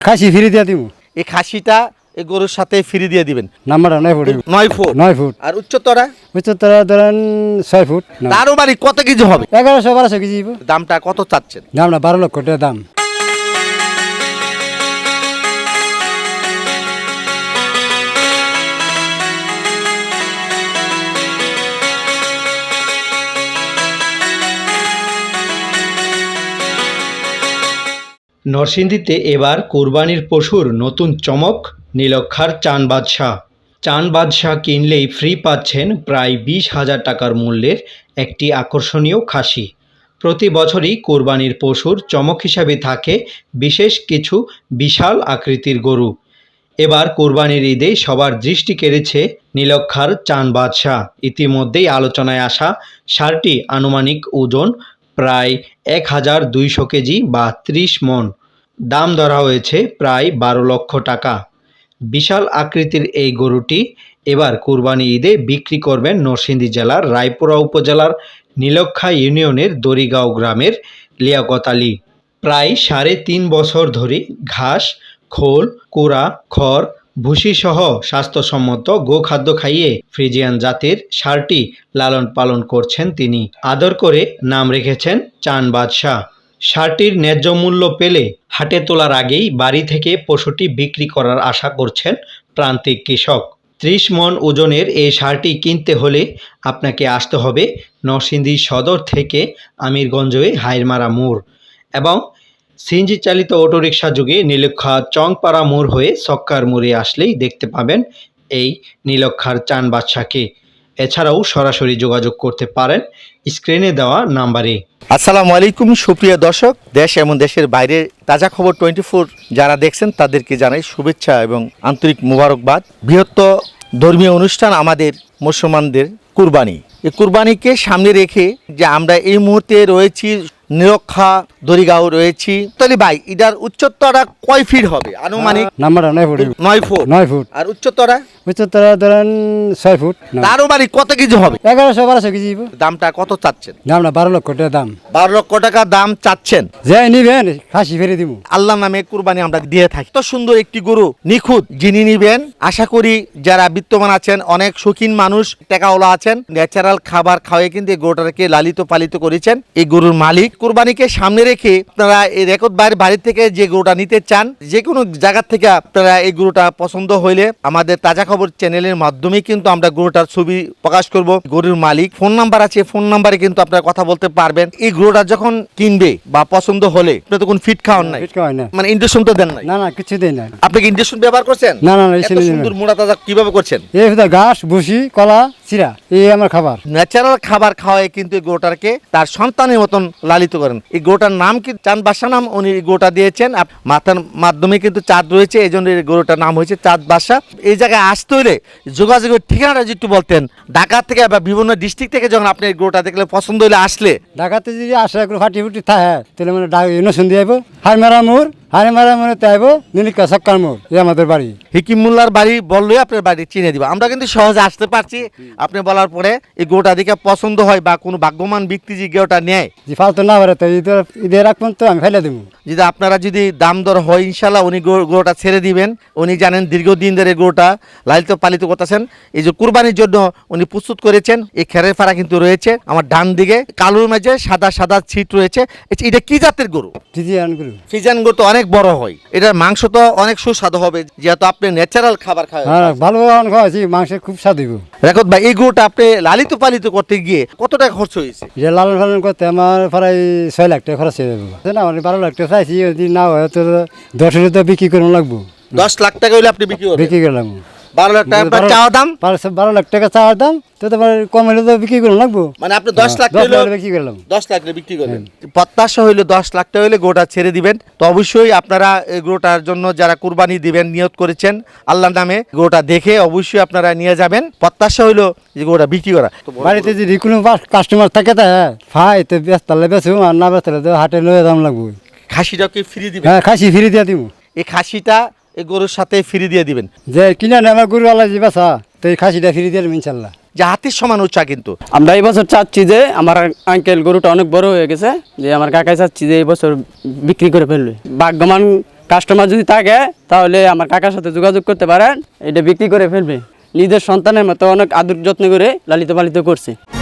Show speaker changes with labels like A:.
A: খাসি free দিয়ে দিব।
B: এই খাসিটা এই গরুর সাথে ফ্রি দিয়ে দিবেন।
A: নাম্বারটা 9 ফুট।
B: 9 ফুট।
A: 9 ফুট।
B: আর উচ্চতরা?
A: উচ্চতরা ধরেন 6 ফুট।
B: তারও বাড়ি কত কেজি হবে?
A: 1100-1200 কেজি।
B: দামটা কত চাচ্ছেন?
A: দামটা 12 লক্ষ টাকা দাম।
C: নরসিংদীতে এবার কোরবানির পশুর নতুন চমক নীলক্ষার চান বাদশাহ। চান বাদশাহ কিনলেই ফ্রি পাচ্ছেন প্রায় 20,000 টাকার মূল্যের একটি আকর্ষণীয় খাসি। প্রতি বছরই কোরবানির পশুর চমক হিসাবে থাকে বিশেষ কিছু বিশাল আকৃতির গরু। এবার কোরবানির ঈদে সবার দৃষ্টি কেড়েছে নীলক্ষার চান বাদশাহ। ইতিমধ্যেই আলোচনায় আসা ষাঁড়টি আনুমানিক ওজন প্রায় 1200 কেজি বা 30 মণ। দাম ধরা হয়েছে প্রায় 12 লক্ষ টাকা। বিশাল আকৃতির এই গরুটি এবার কোরবানি ঈদে বিক্রি করবেন নরসিংদী জেলার রায়পুরা উপজেলার নীলক্ষা ইউনিয়নের দড়িগাঁও গ্রামের লিয়াকত আলী। প্রায় 3.5 বছর ধরে ঘাস, খোল, কুড়া, খড়, ভুসিসহ স্বাস্থ্যসম্মত গোখাদ্য খাইয়ে ফ্রিজিয়ান জাতের ষাঁড়টি লালন পালন করছেন তিনি। আদর করে নাম রেখেছেন চান বাদশাহ। ষাঁড়টির ন্যায্য মূল্য পেলে হাটে তোলার আগেই বাড়ি থেকে পশুটি বিক্রি করার আশা করছেন প্রান্তিক কৃষক। 30 মণ ওজনের এই ষাঁড়টি কিনতে হলে আপনাকে আসতে হবে নরসিংদী সদর থেকে আমিরগঞ্জ হয়ে হাইরমারা মোড় এবং সিএনজি চালিত অটোরিকশা যোগে নীলক্ষা চংপাড়া মোড় হয়ে সক্কার মোড়ে আসলেই দেখতে পাবেন এই নীলক্ষার চান বাদশাকে। এছাড়াও সরাসরি যোগাযোগ করতে পারেন স্ক্রিনে দেওয়া নাম্বারে।
B: আসসালামু আলাইকুম সুপ্রিয় দর্শক, দেশ এবং দেশের বাইরে তাজা খবর 24 যারা দেখছেন তাদেরকে জানাই শুভেচ্ছা এবং আন্তরিক মোবারকবাদ। বৃহত্তর ধর্মীয় অনুষ্ঠান আমাদের মুসলমানদের কুরবানি। এই কুরবানিকে সামনে রেখে যে আমরা এই মুহূর্তে রয়েছি নীলক্ষা দড়িগাঁও রয়েছি। তাহলে ভাই এটার উচ্চতরা কয় ফিট হবে আনুমানিক?
A: নাম্বারটা 9 ফুট।
B: 9 ফুট।
A: 9 ফুট।
B: আর উচ্চতরা?
A: উচ্চতরা ধরেন 6 ফুট।
B: তারও বাড়ি কত কেজি হবে?
A: 1100-1200 কেজি।
B: দামটা কত চাচ্ছেন?
A: দামটা 12 লক্ষ টাকা দাম।
B: 12 লক্ষ টাকা দাম চাচ্ছেন।
A: যে নিবেন খাসি ফেরে দিব।
B: আল্লাহ নামে কুরবানি আমরা দিয়ে থাকি। তো সুন্দর একটি গরু নিখুঁত যিনি নিবেন, আশা করি যারা বিত্তমান আছেন, অনেক শৌখিন মানুষ, টাকাওয়ালা আছেন, ন্যাচারাল খাবার খাওয়াই কিন্তু এই গরুটাকে লালিত পালিত করেছেন এই গরুর মালিক। কুরবানিকে সামনে রেখে আপনারা এই রেকর্ড বাইরের বাড়ি থেকে যে গরুটা নিতে চান, যে কোনো জায়গা থেকে আপনারা এই গরুটা পছন্দ হইলে আমাদের তাজা খবর চ্যানেলের মাধ্যমে কিন্তু আমরা গরুটার ছবি প্রকাশ করব। গরুর মালিক ফোন নাম্বার আছে, ফোন নাম্বারে কিন্তু আপনারা কথা বলতে পারবেন। এই গরুটা যখন কিনবে বা পছন্দ হলে আপনি তখন ফিট খাওয়ান নাই,
A: ফিট খাওয়াই না,
B: মানে ইনজেকশন তো দেন নাই?
A: না কিছু দেই না।
B: আপনি কি ইনজেকশন ব্যবহার করছেন?
A: না
B: এত সুন্দর মোটা তাজা কিভাবে করছেন?
A: এই ঘাস, ভুসি, কলা, চিরা, এই আমার খাবার।
B: ন্যাচারাল খাবার খাওয়ায় কিন্তু এই গরুটাকে তার সন্তানের মতন লালিত করেন। এই গরুটার নাম কি চাঁদ বাদশাহ নাম উনি এই গরুটা দিয়েছেন। মাথার মাধ্যমে কিন্তু চাঁদ রয়েছে, এই জন্য এই গরুটার নাম হয়েছে চাঁদ বাদশাহ। এই জায়গায় আসতে হলে যোগাযোগের ঠিকানাটা যদি একটু বলতেন, ঢাকা থেকে বা বিভিন্ন ডিস্ট্রিক্ট থেকে যখন আপনি এই গরুটা দেখলে পছন্দ হলে আসলে।
A: ঢাকাতে যদি আসে ফাটি ফুটি থাকে তাহলে মানে নরসিংদী আইব, হারমারা মোড়, হারমারা মোড়ে আইব নীলক্ষা সক্কার মোড়, এই আমাদের বাড়ি।
B: হিকিম মোল্লার বাড়ি বললেই আপনার বাড়ি চিনে দিব। আমরা কিন্তু সহজে আসতে পারছি। আপনি বলার পরে এই গরুটা দেখে পছন্দ হয় বা কোনো ভাগ্যবান ব্যক্তি যে গরুটা নেয়,
A: যে ফালতু না পারে তো ঈদে রাখবেন তো আমি ফেলে দেবো।
B: যদি আপনারা যদি দাম দর হয় ইনশাল্লাহ উনি গরুটা ছেড়ে দিবেন। উনি জানেন দীর্ঘদিন ধরে গরুটা লালিত পালিত করতেছেন। এই যে কুরবানির জন্য উনি প্রস্তুত করেছেন। এই খেরের ফাড়া কিন্তু রয়েছে আমার ডান দিকে, কালোর মাঝে সাদা সাদা ছিট রয়েছে। এটা কি জাতের গরু? ফ্রিজিয়ান গরু তো অনেক বড় হয়, এটার মাংস তো অনেক সুস্বাদু হবে যেহেতু আপনি ন্যাচারাল খাবার খাওয়া।
A: ভালো খাওয়াছি, মাংসের খুব স্বাদ হইব।
B: রেকর্ড ভাই, এই গরুটা আপনি লালিত পালিত করতে গিয়ে কত টাকা খরচ হয়েছে?
A: লালন পালন করতে আমার প্রায় 6 লাখ টাকা খরচ হয়ে যাবে না। 12 লাখ টাকা চাইছি, যদি না হয় তো 10 তো বিক্রি করে লাগবো।
B: 10 লাখ টাকা হইলে আপনি বিক্রি করলাম। 12 লাখ টাকা চাওয়া দাম,
A: 12 লাখ টাকা চাওয়ার দাম, তো তোমার কম হলে তো বিক্রি করে লাগবো।
B: মানে আপনি 10 লাখ
A: বিক্রি করলাম,
B: 10 লাখ বিক্রি করবেন। প্রত্যাশা হইলে 10 লাখ টাকা হইলে গোটা ছেড়ে দিবেন। তো অবশ্যই আপনারা এই গোটার জন্য যারা কুরবানি দিবেন নিয়ত করেছেন আল্লাহর নামে, গোটা দেখে অবশ্যই আপনারা নিয়ে যাবেন। প্রত্যাশা হইলো যে গোটা বিক্রি করা।
A: বাড়িতে যদি কোনো কাস্টমার থাকে তা ফাই তো বেচতালে বেচুম, আর না বেচতালে তো হাটে লয়ে দাম লাগবো।
B: খাসিটা কি ফ্রি দিবেন?
A: হ্যাঁ, খাসি ফ্রি দিয়ে দিব।
B: এই খাসিটা এই গরুর সাথে ফ্রি দিয়ে দিবেন।
A: যে কিনা আমার গরু আল্লাহ যে বেচা, তো এই খাসিটা ফ্রি দিয়ে দেবেন ইনশাল্লাহ।
B: যে হাতির সমান উচ্চা কিন্তু।
D: আমরা এই বছর চাচ্ছি যে আমার আঙ্কেল গরুটা অনেক বড় হয়ে গেছে, যে আমার কাকাই চাচ্ছি যে এই বছর বিক্রি করে ফেলবে। ভাগ্যবান কাস্টমার যদি থাকে তাহলে আমার কাকার সাথে যোগাযোগ করতে পারেন, এটা বিক্রি করে ফেলবে। নিজের সন্তানের মতো অনেক আদর যত্ন করে লালিত পালিত করছে।